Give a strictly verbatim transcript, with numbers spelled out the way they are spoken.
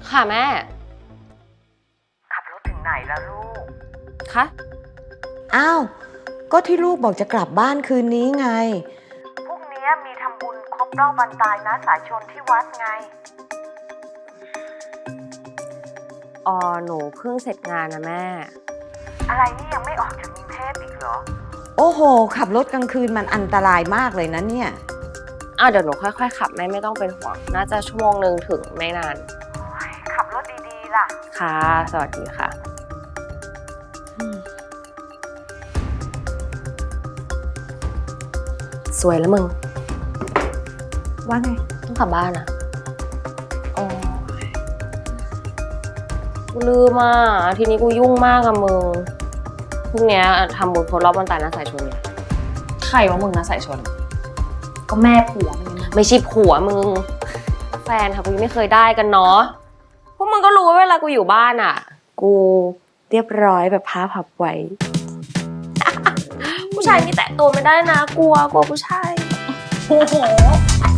ค่ะแม่ขับรถถึงไหนแล้วลูกคะอ้าว ก็ที่ลูกบอกจะกลับบ้านคืนนี้ไงพรุ่งนี้มีทำบุญครบรอบวันตายนะสายชนที่วัดไงอ๋อหนูเพิ่งเสร็จงานนะแม่อะไรนี่ยังไม่ออกจากกรุงเทพอีกเหรอโอ้โห ขับรถกลางคืนมันอันตรายมากเลยนะเนี่ยอ้าวเดี๋ยวหนูค่อยๆขับแม่ไม่ต้องเป็นห่วง น่าจะชั่วโมงหนึ่งถึงไม่นานขับรถดีๆล่ะค่ะ สวัสดีค่ะ สวยแล้วมึงว่าไงต้องกลับบ้านอะโอ้ยกูลืมอ่ะทีนี้กูยุ่งมากอะมึงพรุ่งนี้ทำบุญครบรอบวันตายน้าสายชนเนี่ยใครว่ามึงนะสายชน ก็แม่ผัวมันไงไม่ใช่ผัวมึง แฟนค่ะกูยังไม่เคยได้กันเนาะพวกมึงก็รู้ว่าเวลากูอยู่บ้านอ่ะ กูเรียบร้อยแบบผ้าพับไว้ ผู้ชายนี่แตะตัวไม่ได้นะกลัวกลัวผู้ชายโอ้โห